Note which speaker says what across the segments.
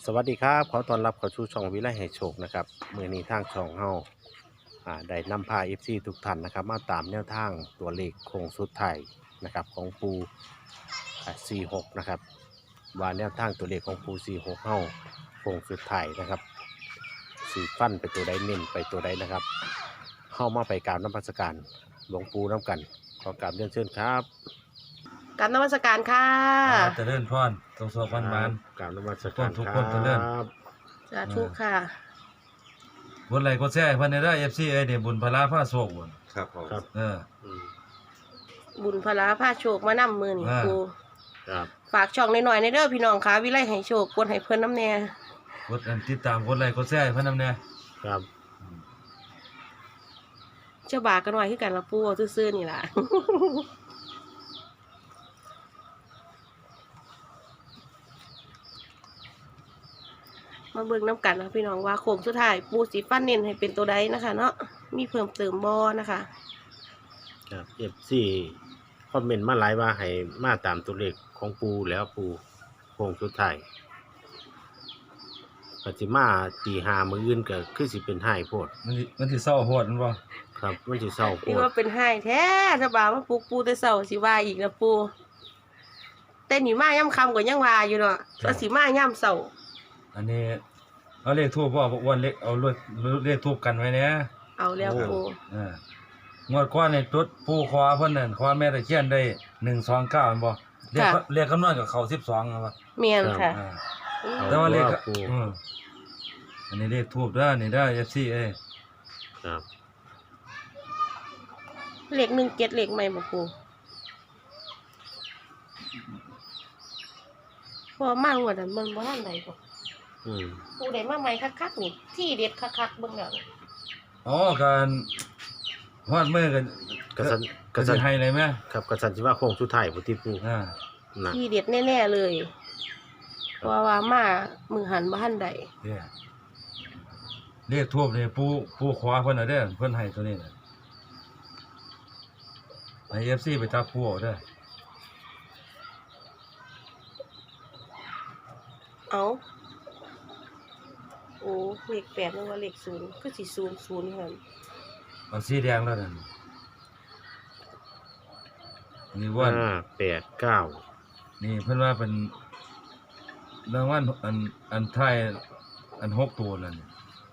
Speaker 1: สวัสดีครับขอต้อนรับเข้าสู่ช่องวิไลให้โชคนะครับมื้อนี้ทางช่องเฮาได้นำพา FC ทุกท่านนะครับมาตามแนวทางตัวเลขโค้งสุดท้ายนะครับของปู46นะครับว่าแนวทางตัวเลขของปู46เฮาโค้งสุดท้ายนะครับสีฟันไปตัวใดเน้นไปตัวใดนะครับเฮามาไปกราบนมัสการหลวงปู่น้ำกันขอกราบเรียนเชิญครับ
Speaker 2: กรารนมัสการค่ะ
Speaker 3: เจริญพรตรงสอบมัน
Speaker 1: กราบนมัสการ
Speaker 3: ทุก
Speaker 1: ค
Speaker 3: คนเจริ
Speaker 1: รั
Speaker 3: ญ
Speaker 1: บ
Speaker 2: สาธุค่ะ
Speaker 3: บนไหลก็แซ่เพิ่นได้ FC เอ้ยนี่บุญพลาผ้าโศกบุญ
Speaker 4: ครับผม
Speaker 1: ครับ
Speaker 3: เออ
Speaker 1: อืม
Speaker 2: บุญพลาผ้าโชคมานำมือนี่
Speaker 3: อ่า
Speaker 2: ครู
Speaker 1: ครับ
Speaker 2: ฝากช่องหน่อยๆในเด้อพี่น้องค่ะวิไลให้โชคกดให้เพิ่นน้ำแน่
Speaker 3: กดอันติดตามกดไลค์กดแซ่เพิ่นนำแน่
Speaker 1: ครับ
Speaker 2: เจ้าบากันไว้คือกันละปูเอาซื่อๆนี่ล่ะ มาเบิ่งน้ำกันนะพี่น้องว่าโค้งสุดท้ายปูสีฟันเน้นให้เป็นตัวใดนะคะเนาะมีเพิ่มเติมบ่นะคะ
Speaker 1: ครับFC คอมเมนต์มาหลายว่าให้มาตามตัวเลขของปูแล้วปูโค้งสุดท้ายปฏิมาตีหามืออื่นก็คือสิเป็นไห้โพด
Speaker 3: มันสิเศร้าโหดมันบ่
Speaker 1: ครับมันสิเศร้าโพ
Speaker 2: นี่
Speaker 1: ด
Speaker 2: ว่าเป็นให้แท้ถ้าบ่ามาปลุกปูแต่เช้าสิว่าอีกนะปูแต่นี่มาย่ำค่ำก็ยังว่าอยู่เนาะว่าสิมาย่ำเช้า
Speaker 3: อันนี้เอาเลขทูบบ่อ้วนเลขเอาเลขทูบกันไว้แน่
Speaker 2: เอาแล้วปู
Speaker 3: งวดก่อนนี่จุดปู่ขอเพิ่นนั่นขอแม่ตะเคียนได้129แม่นบ่เลขคำนวณกับเขา12นั่นบ่
Speaker 2: เมียนค่ะ
Speaker 3: อ่า
Speaker 2: อืม
Speaker 3: แต่ว่าเลข
Speaker 1: ปู
Speaker 3: อันนี้เลขทูบเด้อนี่เด้อ FC เอ้ย
Speaker 1: ครับ
Speaker 2: เลข17เลขใหม่บ่ปูพอมากกว่านั้นมันบ่ทันใดบ่
Speaker 1: อืม
Speaker 2: ปูได้มาใหม่คักๆนี่ที่เด็ดคักๆเบิ่งแล้วนี่
Speaker 3: อ๋อการฮอดมื้อกัน
Speaker 1: กระสันก
Speaker 3: ก็
Speaker 1: ระสั
Speaker 3: สิ
Speaker 1: น
Speaker 3: ให้เลยแม่
Speaker 1: ครับกระสันสิว่าโค้งสุดท้ายบ่ที่ปู
Speaker 3: อ่า
Speaker 1: นะ
Speaker 2: ที่เด็ดแน่ๆเลยเพราะว่ามามือหันบ่ทันใด
Speaker 3: เนี่ยเลขทูบนี่ปูขวาเพิ่นน่ะเด้อเพิ่นให้ตัวนี้น่ะให้ FC ไปจับผู้เอาเด้อ
Speaker 2: เอาโอ้เลข8นึกว่าเลข0คือสิ00หั่น
Speaker 3: เอาสีแดงแล้วนั่นนี่ว่า
Speaker 1: 5 8 9
Speaker 3: นี่เพิ่นว่าเป็นรางวัลอันท้ายอัน6ตัวนั่น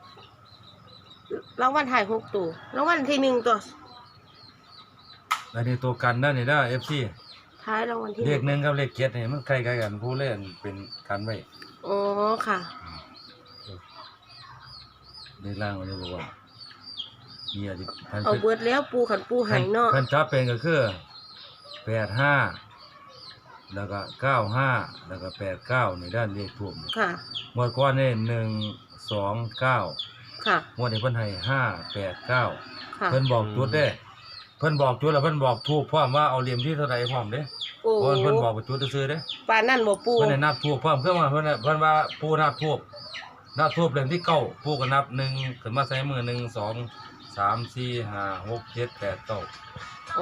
Speaker 2: รางวัลถ่าย6ตัวรางวัลที่1ตัว
Speaker 3: อันนี้ตัวกันนั่นนี่เด้อ FC
Speaker 2: ท้ายรางวัลที่
Speaker 3: เลข1กับเลข7นี่มันใกล้ๆกันผู้เล่นเป็นกันไว้
Speaker 2: อ๋อค่ะ
Speaker 3: เลขล่างมันเลยบอกว่านี่อ่ะพัน
Speaker 2: เอาเบิดแล้วปูขันปูใหายเนาะ
Speaker 3: พันจับเป็นก็คือ85แล้วก็95แล้วก็89นี่ด้านเลขทูบ
Speaker 2: ค่ะ
Speaker 3: งวดก่อนนี่129
Speaker 2: ค่ะ
Speaker 3: งวดนี้เพิ่นให้589
Speaker 2: ค่ะ
Speaker 3: เพิ่นบอกจุดเด้เพิ่นบอกจุดแล้วเพิ่นบอกทูบพร้อมว่าเอาเหลี่ยมที่เท่าใดพร้อมเด้
Speaker 2: โอ้
Speaker 3: เพิ่นบอกว่าจุดซื่อๆเด้
Speaker 2: ปานนั่นบ่ปู
Speaker 3: เพิ่นให้นับทูบพร้อมคือว่าเพิ่นน่ะเพิ่นว่าผู้นับทูบเหลี่ยมที่เก้าผู้ก็นับ1ขึ้นมาใส่มือ1 2 3 4 5 6 7 8 9
Speaker 2: โอ้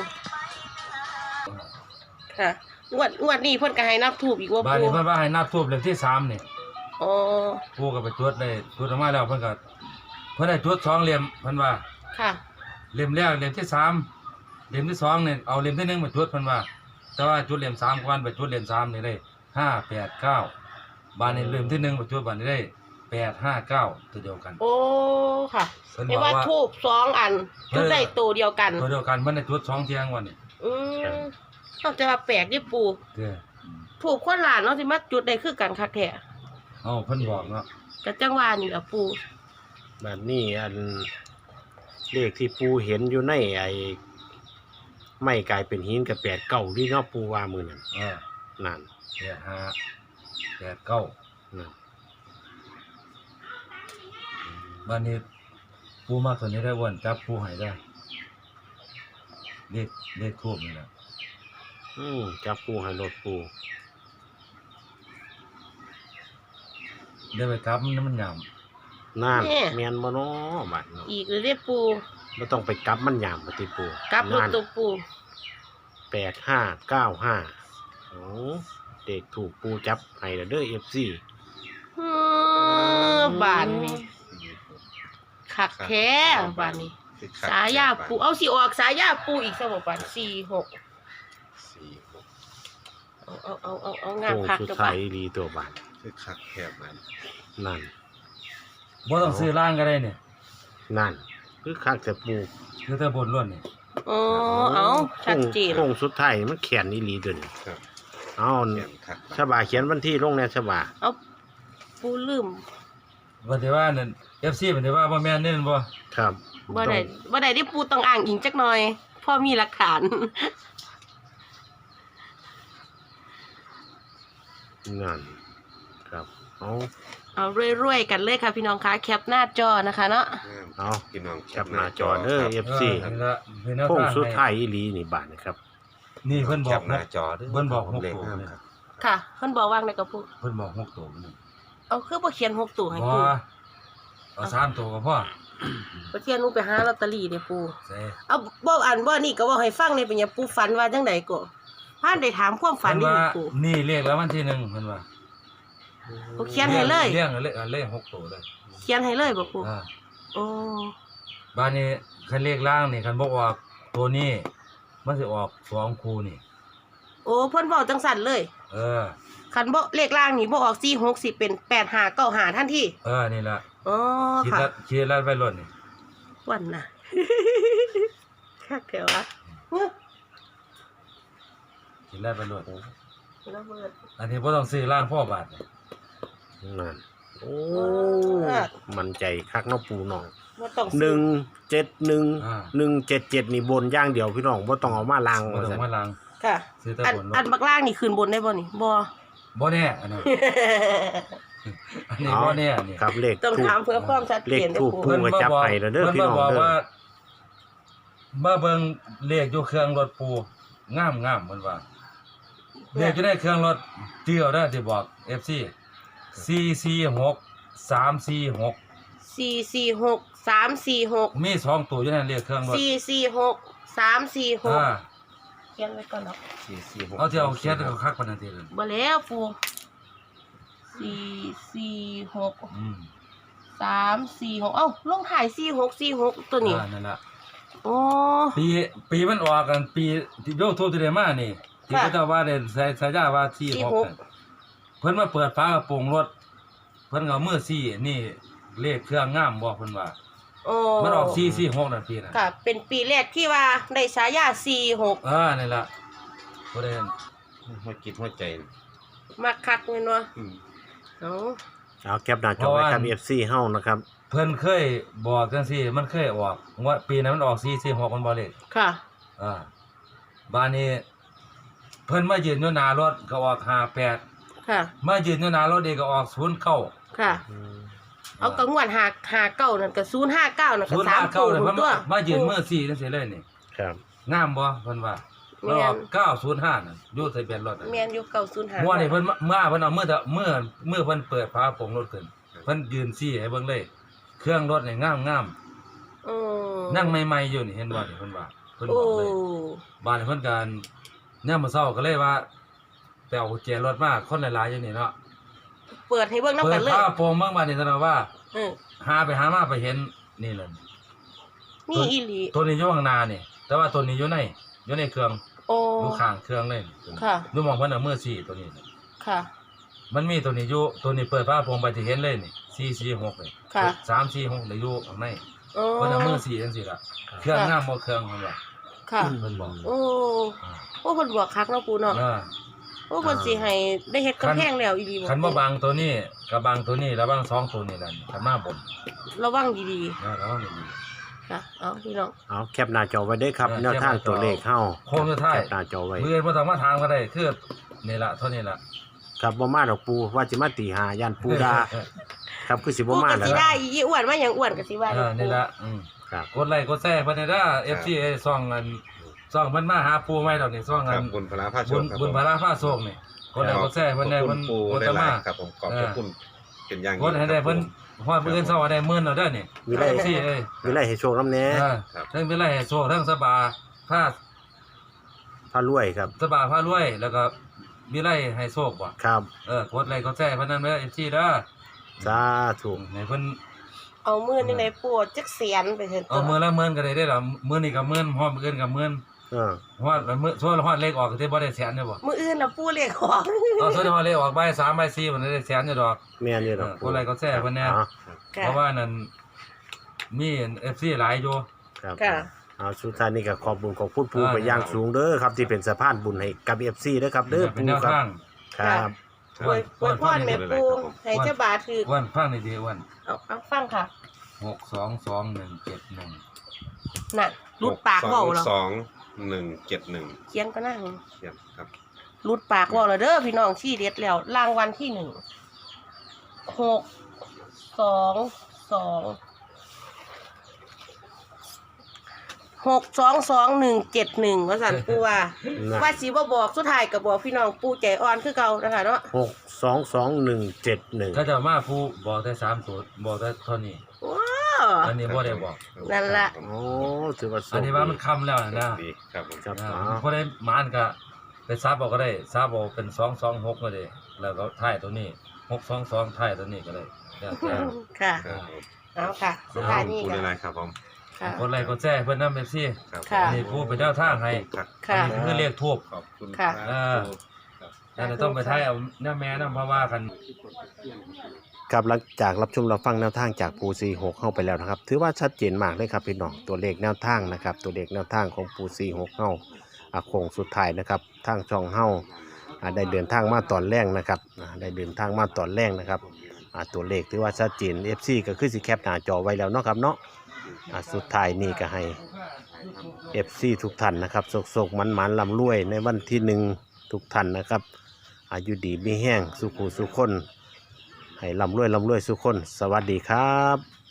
Speaker 2: ค่ะงวดนี้เพิ่นก็ให้นับถูกอีกว่า
Speaker 3: บ้าน
Speaker 2: ปู
Speaker 3: นี้เพิ่นว่าให้นับทูบเหลี่ยมที่3นี่
Speaker 2: อ๋อ
Speaker 3: ผู้ก็ไปจุดได้จุดออกมาแล้วเพิ่นก็เพิ่นได้จุด2เหลี่ยมเพิ่นว่า
Speaker 2: ค่ะ
Speaker 3: เหลี่ยมแรกเหลี่ยมที่3เหลี่ยมที่2เนี่ยเอาเหลี่ยมที่1มาจุดเพิ่นว่า แต่ว่าจุดเหลี่ยม3ก่อนไปจุดเหลี่ยม3นี่ได้5 8 9บ้านนี้เหลี่ยมที่1ไปจุดบ้านนี้ได้8 5 9ตัวเดียวกัน
Speaker 2: โอ้ค่ะ
Speaker 3: เพิ่น
Speaker 2: เรีย
Speaker 3: บ
Speaker 2: ก
Speaker 3: อก
Speaker 2: ว่า
Speaker 3: ว่า
Speaker 2: ทูบ2อันจุดได้ตัวเดียวกัน
Speaker 3: ตัวเดียวกันเพิ่นได้จุด2เที่ยงวันนี้
Speaker 2: อืมเอาแต่ว่าแปลกดิปู
Speaker 3: เด้อ
Speaker 2: ถูกคนหลานเนาะสิมาจุดได้คือกันคักแท้
Speaker 3: เอ้าเพิ่นบอกเนาะ
Speaker 2: ก็จังว่านี่ล่ะปู
Speaker 1: แบบนี้อันเลขที่ปูเห็นอยู่ในไอ้ไม่กลายเป็นหินกับ8 9ที่เนาะปูว่ามื้อนั้น นั่น
Speaker 3: 8 5 8 9
Speaker 1: นั่น
Speaker 3: บ้านนี้ปูมาตัวนี้ได้อ้วนจับปูให้ได้เลขทูบนี่แหละ
Speaker 1: จับปูให้รถปู
Speaker 3: ได้ไปกลับมันหยาม
Speaker 1: นั่นแม่นบ่เนาะบัดเนาะ
Speaker 2: อีกเลยเด้ปู
Speaker 1: บ่ต้องไปกลับมันยามบ่ติปู
Speaker 2: กลับรถ
Speaker 1: นั่น
Speaker 2: ตัวปู
Speaker 1: 8595โอ้เด็กถูกปูจับให้แล้วเด้อ FC
Speaker 2: อืบานนี่คักแท้บานนี้สายาปูเอาสิออกสายาปูอีกซะบ่บาน46 เอางาม
Speaker 1: โค้ง
Speaker 2: คัก
Speaker 1: สุด
Speaker 2: เด้อ
Speaker 1: ท้า
Speaker 2: บาย น
Speaker 1: ดีตัวบาน
Speaker 4: คือคักแคบมัน
Speaker 1: นั่น
Speaker 3: บ่ต้องซื้อล่างก็ได้เนี่ย
Speaker 1: นั่นคือคักแต่ปู
Speaker 3: คือแต่บนล้วนนี่
Speaker 2: อ๋อเอาชัดเจน
Speaker 1: โค้งสุดท้ายมันแขนอีหลีเดิน
Speaker 4: ครับ
Speaker 1: เอา
Speaker 4: แคบคัก
Speaker 1: ฉบาเขียนวันที่ลงแน่ฉบา
Speaker 2: เอาปูลืม
Speaker 3: ว่าแต่ว่านั่น FC เพิ่นสิว่าบ่แม่นเด้บ่
Speaker 1: ครับ
Speaker 2: บ่ได้ที่ปูต้องอ้างอิงจักหน่อยพ่อมีหลักฐาน
Speaker 1: นั่นครับเอา
Speaker 2: เอารวยๆกันเลยค่ะพี่น้องคะแคปหน้าจอนะคะเนาะ
Speaker 1: เอา
Speaker 4: พี่น้อง
Speaker 1: แคปหน้าจอเด้อ FC
Speaker 3: นี่ละเป็นแนว
Speaker 1: โค้ง
Speaker 3: ทาง
Speaker 1: สุดท้าย
Speaker 3: ให้
Speaker 1: อีหลีนี่บาทนะครับ
Speaker 3: นี่เพิ่นบ
Speaker 4: แค
Speaker 3: อก
Speaker 4: ปหน้าจอเด้อ
Speaker 3: เพิ่นบอก6
Speaker 4: เลข
Speaker 3: ตัว
Speaker 4: งาม
Speaker 3: เนี่ย
Speaker 4: ครับ
Speaker 2: ค่ะเพิ่นบอกว่างในกระปุก
Speaker 3: เพิ่นบอก6ตัวนี่
Speaker 2: เอาคือบ่เขียน6ตัวให้
Speaker 3: บ่
Speaker 2: ปู
Speaker 3: เอา3ตัวก็พอ
Speaker 2: บ่เที่ยหนูไปหาลอตเตอรี่เด้ปู
Speaker 3: ใส่
Speaker 2: เอาบ่อ่านบ่นี่ก็บ่ให้ฟังในเป็นหยังปูฝันว่าจังไดก็พานได้ถามความฝัน
Speaker 3: เพิ่น
Speaker 2: นี่
Speaker 3: ว่า
Speaker 2: ปู
Speaker 3: นี่เลขแล้ววันที่1เพิ่นว่า
Speaker 2: โอเขียนให้เลย
Speaker 3: เรื่องเลข6ตัวเลย
Speaker 2: เขียนให้เลยบ่ปู
Speaker 3: อ่า
Speaker 2: โอ้
Speaker 3: บ้านนี้คันเลขล่างนี่คันบ่ออกตัวนี้มันสิออก2คู่นี่
Speaker 2: โอ้เพิ่นเว้าจังสั่นเลย
Speaker 3: เออ
Speaker 2: คันบ่เลขล่างนี่บ่ออก46สิเป็น8595ทันที
Speaker 3: นี่ล่ะ
Speaker 2: อ๋อ
Speaker 3: คิด
Speaker 2: ค่ะ
Speaker 3: ละคิดละไว้ล้นนี่
Speaker 2: วันน่ะ คักแถวอะ
Speaker 3: คิดละไว้ล้น
Speaker 2: ระเบิด
Speaker 3: อันนี้บ่ต้องซื้อล่างพ่อบาทนี่
Speaker 1: นั่นโอ้มันใจคักเนาะปูน้อง
Speaker 2: บ่ต้อง
Speaker 1: 171 177นี่บนอย่างเดียวพี่น้องบ่ต้องเอามาลาง
Speaker 3: บ่
Speaker 1: ว่า
Speaker 3: ต้อ
Speaker 1: ซั่
Speaker 3: ง
Speaker 1: น
Speaker 3: มาล้าง
Speaker 2: ค่ะ
Speaker 3: ซื้อแต่
Speaker 2: อัน
Speaker 3: บนร
Speaker 2: อั
Speaker 3: ถ
Speaker 2: นบักล่างนี่ขึ้นบนได้บ่นี่บ่
Speaker 3: บ่แน่อันนั้นอันนี้บ่แน่นี่
Speaker 1: ครับเลข
Speaker 2: ต้อง
Speaker 1: ทูป
Speaker 2: ถามเพื่อความชัด
Speaker 1: เล
Speaker 2: เจ
Speaker 1: ข
Speaker 2: นเด้
Speaker 1: ทู
Speaker 2: อ
Speaker 1: ป
Speaker 2: ปู
Speaker 1: ปูก็จับให้แล้วเด้อพี่น้อง
Speaker 3: บอก
Speaker 1: เด้อ
Speaker 3: ว่ามาเบิ่งเลขอยู่เครื่องรถปูงามเพิ่นว่าเลขอยู่ในเครื่องรถเที่ยวเด้อที่บอก FC 446 346
Speaker 2: 446 346
Speaker 3: มี2ตัวอยู่ในเลขเครื่องรถ
Speaker 2: 446 346
Speaker 3: อ่า
Speaker 2: เขียนไว้ก่อนเนาะ
Speaker 4: 446
Speaker 3: เอาที่เอาเขียนเอาคักปานนั้นติเลย
Speaker 2: บ่แล้วปู446
Speaker 3: อืม
Speaker 2: 346เอ้าลงถ่าย4646ตัวนี้
Speaker 3: นั่นล่ะ
Speaker 2: โอ้
Speaker 3: ปีมันออกกันปีที่โยทูที่ได้มานี่ที่
Speaker 2: ค่ะ
Speaker 3: เขาเจ้าว่าได้ใส่สายาว่า46นั่นเพิ่นมาเปิดฝากระโปรงรถเพิ่นก็เอามือซี่นี่เลขเครื่องงามบ่เพิ่นว่า
Speaker 2: โอ้
Speaker 3: มันออก446นั่นปีน่ะ
Speaker 2: ค่ะเป็นปีแรกที่ว่าได้ฉายา46
Speaker 3: นี่ล่ะบ่ได้
Speaker 4: หัวจิตหัวใจนะ
Speaker 2: มักคักแม่นบ่
Speaker 4: อืม
Speaker 2: เอ้า
Speaker 1: เอาแคปหน้าจอไว้ครับ FC เฮานะครับ
Speaker 3: เพิ่นเคยบอกจังซี่มันเคยออกว่าปีนั้นมันออก446มันบ่เลข
Speaker 2: ค่ะ
Speaker 3: บ้านนี้เพิ่นมายืนอยู่หน้ารถก็ออก58
Speaker 2: ค่ะ
Speaker 3: มายืนอยู่หน้ารถเองก็ออก09
Speaker 2: ค่ะ เอากระงวด59นั่นก็059นั่นก็3ตัว
Speaker 3: 059เนี่ยเพิ่น
Speaker 2: ตัว
Speaker 3: มายืนมือ4จังซี่เลยนี่
Speaker 1: ครับ
Speaker 3: งามบ่เพิ่นว่ามันออก905น่ะอยู่ทะเบียนรถน่ะ
Speaker 2: แม่นอยู่905
Speaker 3: หัวนี่เพิ่นมาเพิ่นเอามือเพิ่นเปิดฝาโปร่งรถขึ้นเพิ่นยืนซี่ให้เบิ่งเลย เครื่องรถนี่งาม
Speaker 2: โอ้
Speaker 3: นั่งใหม่ๆอยู่นี่เห็นบ่นี่เพิ่นว่าเพิ่นบ
Speaker 2: โอ้
Speaker 3: อกเลยบ้านเพิ่นกันยามมื้อเช้าก็เลยว่าไปเอากุญแจรถมาคนหลายๆอยู่นี่เนาะ
Speaker 2: เปิดให้เบิ่งนำ
Speaker 3: เปิ
Speaker 2: กั
Speaker 3: ด
Speaker 2: นเลย
Speaker 3: ฝาโปร่งเบิ่งมานี่แสดงว่า
Speaker 2: เออ
Speaker 3: หาไปหามาไปเห็นนี่แหละ
Speaker 2: นี่อีหลี
Speaker 3: ตัวนี้อยู่ข้างหน้านี่ แต่ว่าตัวนี้อยู่ในเครื่อง
Speaker 2: โอ้
Speaker 3: อยู่ข้างเครื่องเลย
Speaker 2: ค่ะ
Speaker 3: ดูมองเพิ่นเอามือซี่ตัวนี้
Speaker 2: ค่ะ
Speaker 3: มันมีตัวนี้อยู่ตัวนี้เปิดฝาโปร่งไปที่เห็นเลยนี่446นี่
Speaker 2: ค่ะ
Speaker 3: 346ได้อยู่ข้างใน
Speaker 2: โอ้
Speaker 3: เพิ่นเอามือซี่จังซี่ล่ะเครื่องงามบ่เครื่องเพิ่นว่า
Speaker 2: ค่ะ
Speaker 3: เพิ่นบอก
Speaker 2: โอ้โอ้เพิ่นบวกคักเนาะปูเนาะ โอ้เพิ่นสิให้ได้เฮ็ดกำแพงแล้วอีหลี
Speaker 3: คันบ่บางตัวนี้กับบางตัวนี้แล้วบางสองตัวนี้ล่ะคันมาบน
Speaker 2: ระวังดี
Speaker 3: ระวังดี
Speaker 2: ๆค่ะเอาพี่น้อง
Speaker 1: เอาแคปหน้าจอไว้เด้อครับ
Speaker 3: เออ
Speaker 1: แนวทางตัวเลขเฮา
Speaker 3: โค้งสุดท้าย
Speaker 1: แคปหน้าจอไว้
Speaker 3: เมื่อบ่ต้องมาถามก็ได้คือนี่ล่ะเท่านี้ล่ะ
Speaker 1: ครับบ่มาดอกปูว่าสิมาตีหาย่านปูดาครับคือสิ
Speaker 2: ปู
Speaker 1: บ่มา
Speaker 2: ก็
Speaker 1: แล้ว
Speaker 2: สิ
Speaker 1: ค
Speaker 2: ได้
Speaker 1: รับ
Speaker 2: อีอ้วนมาหยังอ้วนก็สิว่า
Speaker 3: นี่ล่ะ
Speaker 1: ครับ
Speaker 3: กดไลค์กดแชร์เพิ่นได้FC ซ่องมันมาหาปูใหม่ดอกนี่ซ่อง
Speaker 4: ค
Speaker 3: อั
Speaker 4: รับ
Speaker 3: น
Speaker 4: บุญพลาภาโช
Speaker 3: บุ
Speaker 4: ค
Speaker 3: ญ
Speaker 4: ครับ
Speaker 3: บุญพระฟ้าโศกนี่กดไลค์กดแชร์เพิ่นได้
Speaker 4: ขอบ
Speaker 3: เพิ่น
Speaker 4: คุณปู่
Speaker 3: กด
Speaker 4: ได้
Speaker 3: ตะ
Speaker 4: หลา
Speaker 3: มา
Speaker 4: ยครับผมขอบพระคุณเป็นอย่าง
Speaker 3: กดให้ได้เพิ่นฮอดมื้ออื่นเช้าได้10,000แล้วเด้อนี่
Speaker 1: วิไล
Speaker 3: FC เอ้ย
Speaker 1: วิไลให้โชคนำแหน่
Speaker 3: ทั้งวิไลให้โชคทั้งสบาผ้า
Speaker 1: พารวยครับ
Speaker 3: สบาผ้ารวยแล้วก็วิไลให้โชคบ่
Speaker 1: ครับ
Speaker 3: กดไลค์กดแชร์เพิ่นนั่นเด้อ FC เด้อ
Speaker 1: สาธุ
Speaker 3: ในเพิ่น
Speaker 2: เอามือนี่ในปูจักแสนไปเถอะ
Speaker 3: เอามื้อละหมื่นก็ได้เด้อล่ะมื้อนี้ก็หมื่นฮอดมื้ออื่นก็หมื่น ฮอดมื้อส่วนฮอดเลขออกก็สิบ่ได้แสนเด้อบ่
Speaker 2: มืออื่นน่ะปูเรียกของ
Speaker 3: เอาส่วนฮอดเลขออกบ่าย3บ่าย4มันได้แสนอยู่ดอก
Speaker 1: แม่นอยู่ดอก
Speaker 3: คนไรก็แซ่เพิ่นแน่
Speaker 1: อ๋อ
Speaker 3: เพราะว่านั่นมี FC หลายอยู่
Speaker 1: ครับ
Speaker 2: ค่ะ
Speaker 1: เอาสุดท้ายนี้ก็ขอบบุญของพูดปูไปอย่างสูงเด้อครับที่เป็นสะพานบุญให้กับ FC เด้อครับเด้อ
Speaker 3: เป็น
Speaker 1: ปู
Speaker 3: แนว
Speaker 1: ครับ
Speaker 3: ทาง
Speaker 1: ครับ
Speaker 2: อวยพรแม่ปูให้เจ้าบาถือ
Speaker 3: อ้วนฟังดีๆอ้วน
Speaker 2: เอาฟังค่ะ
Speaker 3: 6221171
Speaker 2: น่ะรุดปากเว้าเหรอ
Speaker 4: 22171
Speaker 2: เขียนก็นั่ง
Speaker 4: เขียนครับ
Speaker 2: รุดปากเว้าแล้วเด้อพี่น้องชี้เด็ดแล้วรางวัลที่6222171ว่าสั่นปูว่า
Speaker 1: นะ
Speaker 2: ว่าสิบ่บอกสุดท้ายก็บอกพี่น้องปูใจอ่อนคือเก่านะคะเนาะ
Speaker 1: 6222171
Speaker 3: ถ้าจะมาผู้บอกได้3สูตรบอกได้เท่านี้
Speaker 2: ว้าว
Speaker 3: อันนี้บ่ได้บอก
Speaker 2: นั่นล่ะ
Speaker 1: โอ้ถือว่าโช
Speaker 3: อัน
Speaker 1: ค
Speaker 3: นี้ว่ามันคำแล้วนะ
Speaker 4: ดีครับผม
Speaker 1: ครับ
Speaker 3: อ่า
Speaker 1: อ๋อ
Speaker 3: พอได้หมานก็ไปซับเอาก็ได้ซับเอาเป็น226ก็ได้แล้วก็ท้ายตัวนี้622ท้ายตัวนี้ก็ได้แล้วแต่
Speaker 2: ค่ะ
Speaker 4: ครับผม
Speaker 2: เอาค่ะ สุดท้ายนี้
Speaker 4: พูด
Speaker 2: ค่ะ
Speaker 4: อะไรครับผม
Speaker 2: ค่ะ
Speaker 3: คนไรก็แจ้เพิ่นนำ FC
Speaker 4: ครับ
Speaker 2: ค่ะ
Speaker 3: นี่ผู้เป็นเจ้าทางให้
Speaker 4: ครับ
Speaker 2: ค่ะ
Speaker 3: อันนี้คือเรียกทูบ
Speaker 4: ขอบคุณ
Speaker 2: ค่ะ
Speaker 4: ครับ
Speaker 3: นั่นนะต้องไปท้ายเอาหน้าแม่นำเพราะว่ากัน
Speaker 1: ครับหลังจากรับชมรับฟังแนวทางจากปู46เข้าไปแล้วนะครับ ถือว่าชัดเจนมากเลยครับพี่น้องตัวเลขแนวทางนะครับ ตัวเลขแนวทางของปู46เข้าโค้งสุดท้ายนะครับทางช่องเฮาได้เดินทางมาตอนแรกนะครับได้เดินทางมาตอนแรกนะครับตัวเลขถือว่าชัดเจน FC ก็คือสิแคปหน้าจอไว้แล้วเนาะครับเนาะสุดท้ายนี่ก็ให้ FC ทุกท่านนะครับโศกๆมันๆลำรวยในวันที่1ทุกท่านนะครับอายุดีมีแห้งสุขุสุขคนให้ลำรวยสุขคนสวัสดีครับ